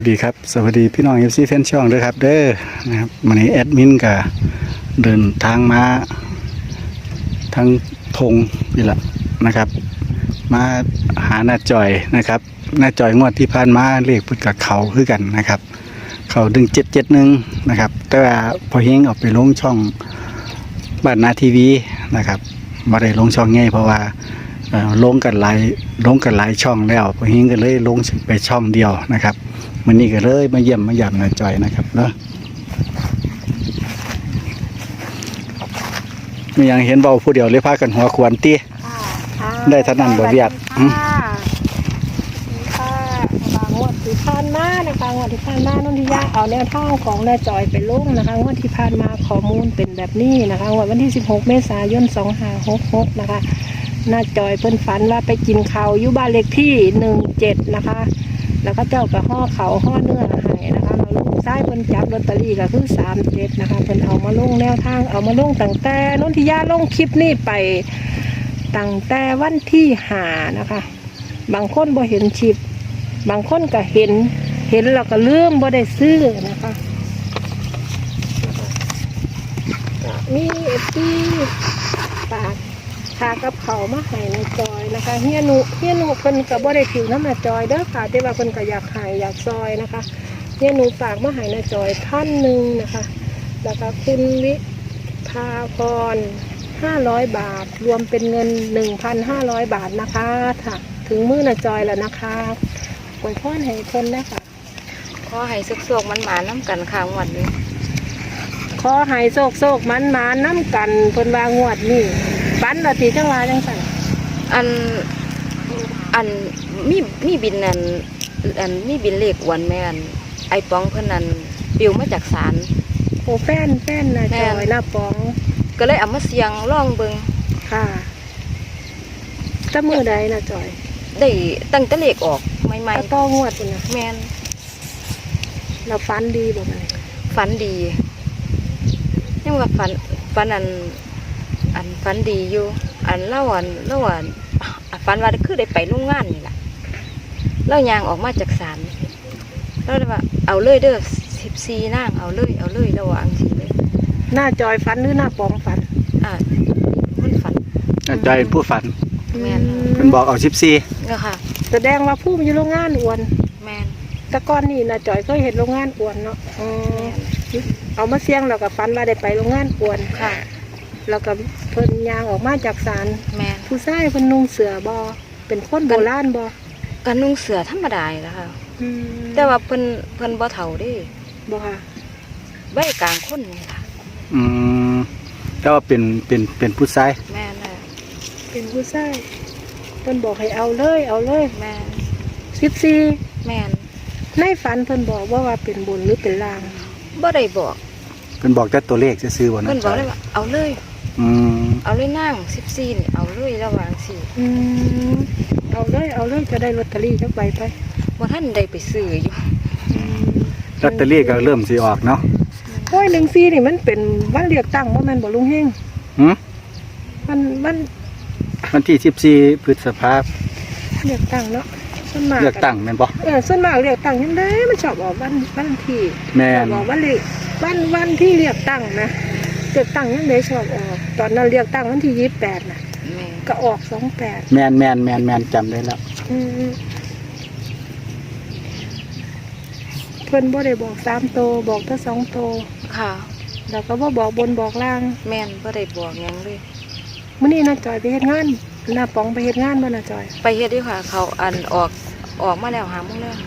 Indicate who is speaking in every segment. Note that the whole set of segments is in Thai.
Speaker 1: ดีครับสวัสดีพี่น้องเอฟซีแฟนช่องด้วยครับเด้อนะครับวันนี้แอดมินก็เดินทางมาทั้งทงนี่แหละนะครับมาหาหน้าจอยนะครับหน้าจอยงวดที่ผ่านมาเลขพุทธกับเขาคือกันนะครับเขา1771นะครับแต่ว่าพอเฮงออกไปลงช่องบ้านนาทีวีนะครับมาได้ลงช่องง่ายเพราะว่าลงกันหลายช่องแล้วพอเฮงก็เลยลงไปช่องเดียวนะครับมันนี่ก็เลยมาเยี่ยมมาหยาบหน้าจอยนะครับเนาะมีอย่างเห็นเบาผู้เดียวเลยพากันหัวขวานตีได้เท่านั้นบ่เวียด
Speaker 2: งวดที่ผ่านมานะคะงวดที่ผ่านมานุ่นที่ยากเอาแนวทางของหน้าจอยไปลงนะคะงวดที่ผ่านมาข้อมูลเป็นแบบนี้นะคะงวดวันที่16เมษายน2566นะคะหน้าจอยเพิ่นฝันว่าไปกินข้าวอยู่บ้านเลขที่17นะคะแล้วก็เจ้ากับห่อเขาห่อเนื้อหายนะคะเราลูกซ้ายเพิ่นจับลอตเตอรี่ก็คือ37นะคะเพิ่นเอามาลงแนวทางเอามาลงตั้งแต่นุ่นที่ยาลงคลิปนี้ไปตั้งแต่วันที่5นะคะบางคนบ่เห็นคลิปบางคนก็เห็นแล้วก็ลืมบ่ได้ซื้อนะคะมีที่ปากพากับเขามาให้ในจอยนะคะเฮียหนูเพิ่นก็บ่ได้ถือน้ำในจอยเด้อค่ะแต่ว่าเพิ่นก็อยากให้อยากซอยนะคะเฮียหนูฝากมาให้ในจอย1,000นะคะแล้วก็คุณวิภาพร500 บาทรวมเป็นเงิน 1,500 บาทนะคะค่ะถึงมื้อในจอยแล้วนะคะอวยพรให้เพิ่นนะคะ
Speaker 3: ขอให้สุกๆมันหมาน้ำกันค่ะงวดนี้
Speaker 2: ขอให้โศกมันมาน้ำกันเพิ่นว่างวดนี้ปันละตีจังหวะจังสั่น
Speaker 3: อันมีบินมีบินเลขวันแม่นไอปองเพิ่นนั่นปิวมาจากศาล
Speaker 2: โอ้แฟนนะจอยหน้าปอง
Speaker 3: ก็เลยเอามาเสียงล่องเบิ่ง
Speaker 2: ค่ะจะมือใดนะจอย
Speaker 3: ได้ตั้งแต่เลขออกใหม่
Speaker 2: ๆต้องวดนะ
Speaker 3: แม่น
Speaker 2: เราฝันดีบ่มัน
Speaker 3: ฝันดียังว่าฝันฝันดีอยู่เล่าฝันว่าคือได้ไปโรงงานนี่แหละเล่ายางออกมาจากศาลแล้วว่าเอาเลยเด้อ14นางเอาเลยระวังสิเลย
Speaker 2: หน้าจอยฝันหรือหน้าปองฝัน
Speaker 3: มันฝัน
Speaker 1: จอยผู้ฝัน
Speaker 3: แม่น
Speaker 1: เพิ่นบอกเอา
Speaker 3: 14ก็ค่ะ
Speaker 2: แสดงว่าผู้มีโรงงานอ้วน
Speaker 3: แม่น
Speaker 2: แต่ก่อนนี่นะจอยเคยเห็นโรงงานอ้วนเนาะเอามาเสี่ยงแล้วก็ฝันว่าได้ไปโรงงานอ้วน
Speaker 3: ค่ะ
Speaker 2: แล้วก็เพิ่นยางออกมาจากศาล
Speaker 3: แม่
Speaker 2: ผู้ชายเพิ่นนุ่งเสื้อบ่เป็นคนโบราณบ่
Speaker 3: กันนุ่งเสื้อธรรมดาแล้วค่ะแต่ว่าเพิ่นบ่เฒ่าเด้
Speaker 2: บ่ค่ะ
Speaker 3: ใบกลางคนนี่ค่ะ
Speaker 1: แต่ว่าเป็นผู้ชาย
Speaker 3: แม่น่ะ
Speaker 2: เป็นผู้ชายเพิ่นบอกให้เอาเลย
Speaker 3: แม่
Speaker 2: 14
Speaker 3: แม่น
Speaker 2: ในฝันเพิ่นบอกว่าเป็นบนหรือเป็นล่าง
Speaker 3: บ่ได้บอก
Speaker 1: เพิ่นบอกแต่ตัวเลขซื่อๆบ่นะ
Speaker 3: เพิ่นบอกเลยว่าเอาเลยเอาเลยนั่ง14นี่เอาเลยระวังสิ
Speaker 2: เอาเลยจะได้ลอตเตอรี่จักใบไป
Speaker 3: บ่ทันได้ไปซื้ออยู่
Speaker 1: ลอตเตอรี่ก็เริ่มสิออกเนาะ
Speaker 2: โอ้ย14นี่มันเป็นวันเลือกตั้งบ่แม่นบ่ลุงเฮง
Speaker 1: วันที่14พฤษภาคม
Speaker 2: เลือกตั้งเนาะส่วนมาก
Speaker 1: เลือกตั้งแม่นบ่
Speaker 2: ส่วนมากเลือกตั้งยังได้มันชอบออกวันที่
Speaker 1: แม่น
Speaker 2: บอกว่าเลขวันที่เลือกตั้งนะเลือกตั้งยังได้ชอบออกตอนนั้นเลือกตั้งวันที่28น่ะก็ออก28
Speaker 1: แม่นจำได้แล้ว
Speaker 2: เพิ่นบ่ได้บอก3โตบอกแต่2โต
Speaker 3: ค่ะ
Speaker 2: แล้วก็บ่บอกบนบอกล่าง
Speaker 3: แม่นบ่ได้บอกหยังเลย
Speaker 2: มื้อนี้น่าจอยไปเฮ็ดงานหน้าป๋องไปเฮ็ดงานบ่น่าจอย
Speaker 3: ไปเฮ็ดอยู่ค่ะเขาออกมาแล้ว5 โมงแล้ว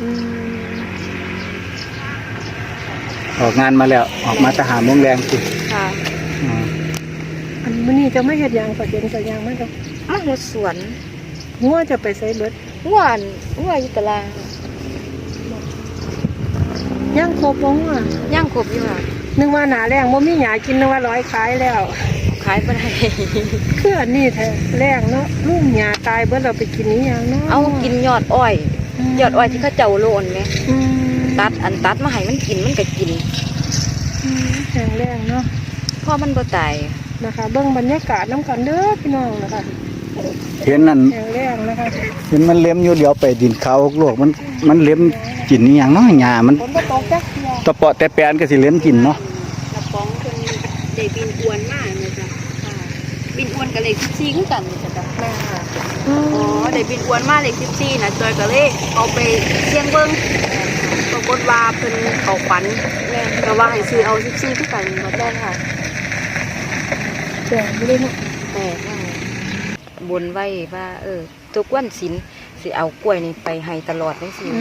Speaker 1: ออกงานมาแล้วออกมาแต่5 โมงแรงสิ
Speaker 3: ค่ะ
Speaker 2: มื้อนี้จะไม่เฮ็ดหยังก็เห็นก็ยังมันก็
Speaker 3: มาเฮ็ดสวน
Speaker 2: งัวจะไปไสเบิด
Speaker 3: งัวอยู่ตลาด
Speaker 2: ย่างครบบ่งัว
Speaker 3: ย่างครบอยู่ค่ะ
Speaker 2: นึกว่าหน้าแรงบ่มีหญ้ากินนึกว่า100ขายแล้ว
Speaker 3: ขายบ่ได้
Speaker 2: คืออันนี้แท้แรงเนาะลูกหญ้าตายเบิดเราไปกินอีหยังเนาะ
Speaker 3: เอากินยอดอ้อยที่เขาเจ้าโลนแม่ตัดมาให้มันกินมันก็กิน
Speaker 2: แรงเนาะ
Speaker 3: เพราะมันบ่ตาย
Speaker 2: นะคะเบิ่งบรรยากาศน้ำกันเด้อพี่น้องนะคะ
Speaker 1: เห็นนั่น
Speaker 2: แรงนะคะ
Speaker 1: เห็นมันเล็มอยู่เดี๋ยวไปดินเขาโลกมันเล็มกินนี่อย่างเนาะหญ้ามัน
Speaker 2: ฝนบ่ตกจักเที่ย
Speaker 1: ตะเปาะแต่แปนก็สิเล่นกินเนาะ
Speaker 3: กระป๋องคนได้บินอวนมากเลยจ้ะบินอวนกับเลข14คือกันเลยจ้ะแม่ค่ะอ๋อได้บินอวนมาเลข14นะจอยก็เลยเอาไปเสี่ยงเบิ่งปรากฏว่าเพิ่นเขาฝันก็ว่าให้ซื้อเอา14คือกันบ่ได้ค่ะ
Speaker 2: แจ้งบ่ได้เนาะ
Speaker 3: แต่ยังบนไว้ว่าทุกวันศีลสิเอากล้วยนี่ไปให้ตลอดจังซี่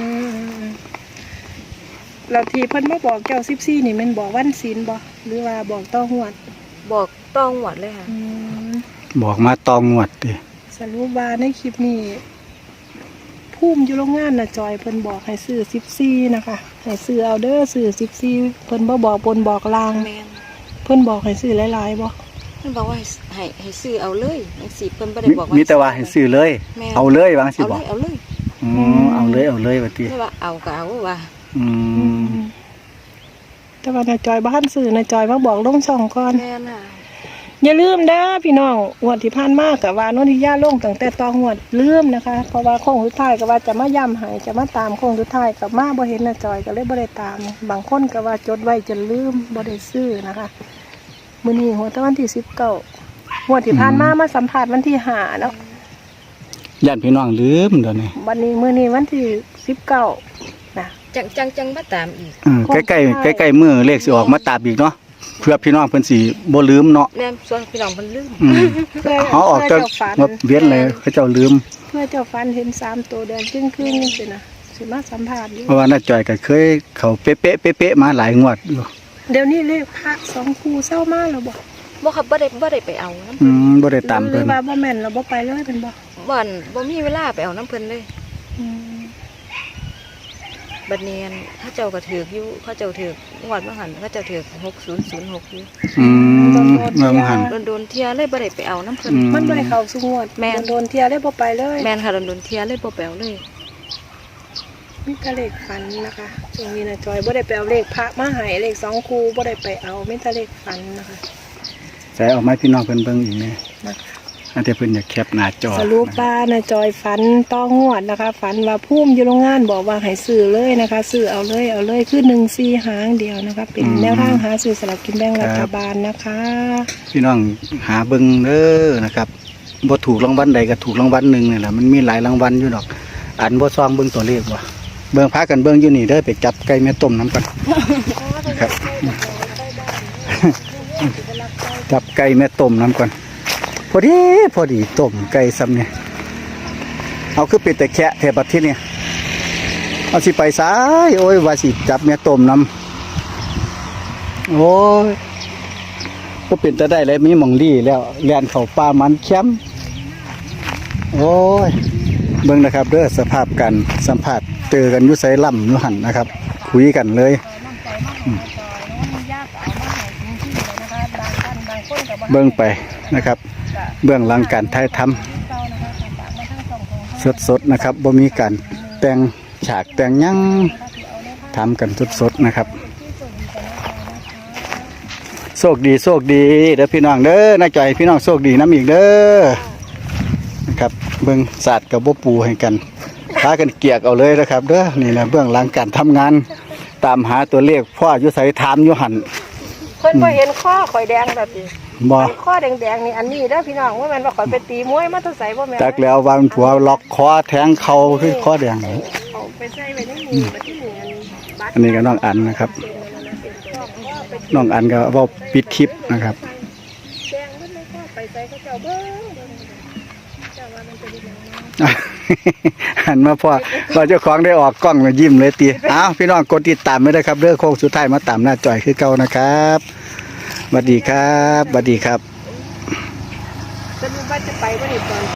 Speaker 2: แล้วที่เพิ่นมาบอกแก้ว14นี่แม่นบอกวันศีลบ่หรือว่าบอกต่อหวด
Speaker 3: บอกต้องหวดเลยค่ะ
Speaker 1: บอกมาตองงวดติ
Speaker 2: สรุปว่าในคลิปนี้ภูมิอยู่โรงงานน่ะจอยเพิ่นบอกให้ซื้อ14นะคะให้ซื้อเอาเด้อซื้อ14เพิ่นบ่บอกบนบอกลาง
Speaker 3: แม่น
Speaker 2: เพิ่นบอกให้ซื้อหลายๆบ่
Speaker 3: เพิ่นบอกว่าให้ซื้อเอาเลยจังซี่เพิ่นบ่ได้บอกว่า
Speaker 1: มีแต่ว่าให้ซื้อเลย
Speaker 3: แม่น
Speaker 1: เอาเลยวาจังสิ
Speaker 3: เอา
Speaker 1: บ
Speaker 3: เล
Speaker 1: อก
Speaker 3: ยเอาเลย
Speaker 1: เอาเลยว่าติ
Speaker 3: ไม่ว่าเอาก็เอาว่า
Speaker 1: อืม
Speaker 2: แต่ว่านาจอยบ้านสื่อนาจอยมาบอกลงช่องก่อน
Speaker 3: แม่น่ะ
Speaker 2: อย่าลืมเด้อพี่น้องงวดที่ผ่านมากับว่าโนนทิยาลงตั้งแต่ตองวดลืมนะคะ เพราะว่าโค้งสุดท้ายก็ว่าจะมาย้ำให้จะมาตามโค้งสุดท้ายกับมาบ่เห็นนาจอยก็เลยบ่ได้ตาม บางคนก็ว่าจดไว้จนลืมบ่ได้ซื้อนะคะมื้อนี้หัวตะวันที่19งวดที่ผ่านมามาสัมภาษณ์วันที่5แล้ว
Speaker 1: ญาติพี่น้องลืมเดี๋ยวนี้
Speaker 2: วันนี้มื้อนี้วันที่19นะ
Speaker 3: จังมาตามอีก
Speaker 1: ใกล้ๆมื้อเลขสิออกมาตามอีกเนาะเพื่อพี่น้องเพิ่นสิบ่ลืมเนาะ
Speaker 3: แม่ส่วนพี่น้องเพิ่นลืม
Speaker 1: เขาออกจากงบเวียนเลยเขาเจ้าลืม
Speaker 2: เพื่อเจ้าฟันเห็น3ตัวแดงครึ่งๆนี่สินะสิมาสัมภาษณ์อยู่
Speaker 1: เพราะว่าน้าจอยก็เคยเขาเป๊ะๆมาหลายงวดอยู่
Speaker 2: เดี๋ยวนี้เลขพระ2คู่เศร้ามาแล้วบ่
Speaker 3: บ่ครับบ่ได้ไปเอาน้ำ
Speaker 1: อื
Speaker 3: เพิ่น
Speaker 1: บ่ได้ตาม
Speaker 2: หรื
Speaker 1: เพิ่น
Speaker 2: อว่าบ่แม่นเราบ่ไปเลยเป็นบ่
Speaker 3: บ่มีเวลาไปเอาน้ำเพิ่นเลย
Speaker 2: อืม
Speaker 3: บัดเนียนเขาเจ้าก็ถือกอยู่เขาเจ้าถือกงวดบ่หันเขาเจ้าถือก6006อยู่
Speaker 1: อืมเมื่อหัน
Speaker 3: โดนเที่ยเลยบ่ได้ไปเอาน้ำเพิ่น
Speaker 2: มันบ่ได้เข้าสุงวด
Speaker 3: แม่น
Speaker 2: โดนเที่ยได้บ่ไปเลย
Speaker 3: แม่นค่ะโดนเที่ยเลยบ่ไปเอาเลย
Speaker 2: มีแต่เลขฝันนะคะช่วงนี้นะจอยบ่ได้ไปเอาเลขพระมาให้เลข2คู่บ่ได้ไปเอามีแต่เลขฝันนะคะ
Speaker 1: ใส่ออกมาพี่น้องเพิ่นเบิ่งอีกแน่
Speaker 2: นะคะ
Speaker 1: อันที่เพิ่นอยากแคปหน้าจอ
Speaker 2: สรุปว่านะจอยฝันต้องงวดนะคะ ฝันว่าพุ่มอยู่โรงงานบอกว่าให้ซื้อเลยนะคะซื้อเอาเลยคือ1-4หางเดียวนะคะ เป็นแนวทางหาซื้อสลากกินแบ่งรัฐบาลนะคะ
Speaker 1: พี่น้องหาเบิ่งเด้อนะครับบ่ถูกรางวัลใดก็ถูกรางวัลหนึงนี่แหละมันมีหลายรางวัลอยู่ดอกอันบ่ซองเบิ่งตัวเลขว่ะเบิ่งพากันเบิ่งอยู่นี่เด้อไปจับไก่แม่ต้มน้ำกันครับ จับไก่แม่ต้มน้ำก่อนพอดีต้มไก่ซ้ำเนี่ยเอาคือเป็ดแต่แคะแถบบัดที่เนี่ยเอาสิไปซ้ายโอ้ยว่าสิจับแม่ต้มน้ำโอ้ยก็เป็นแต่ได้เลยมีหม่องลี่แล้วแล่นเข้าป่ามันแคมป์โอ้ยเบิ่งนะครับเด้อสภาพกันสัมผัสเจอกันอยู่ไสล่ำอยู่หั่นนะครับ คุยกันเลย เบื้องไปนะครับ เบื้องหลังการถ่ายทำสดๆนะครับบ่มีการแต่งฉากแต่งหยังทำกันสดๆนะครับโชคดีเด้อพี่น้องเด้อน่าใจพี่น้องโชคดีน้ำอีกเด้อนะครับเบื้องศาสตร์กับบ่ปูให้กันพากันเกียกเอาเลยนะครับเด้อนี่นะเบื้องหลังการทำงานตามหาตัวเลขพ่ออยู่ไสถามอยู่หั่น
Speaker 2: เพิ่นบ่เห็นข้อข่อยแดงแบบนี้
Speaker 1: บ่
Speaker 2: ข้อแดงๆนี่อันนี้เด้อพี่น้องว่าแม่นว่าข่อยไปตีมวยมาแตะไสบ่แม่น
Speaker 1: จักแล้ววางผัวล็อกคอแทงเขาคือคอแดง
Speaker 2: เอาไปใส่ไว้ในนี้บัดที่นี่บัตร
Speaker 1: อันนี้ก็น้องอันนะครับ น้องอันก็เว้าปิดคลิปนะครับ
Speaker 2: แดงมันเลยก็ไปใส่เขาเจ้าเบิ่งเจ้าว่ามันเป็นยังไง
Speaker 1: หันมาพอเราเจ้าของได้ออกกล้องมายิ้มเลยตีอ้าวพี่น้องกดติดตามไม่ได้ครับเรื่องโค้งสุดท้ายมาตามหน้าจอยคือเก่านะครับสวัสดีครับสวัสดีครับ
Speaker 2: สรุปว่าจะไปบ่ได้ตอน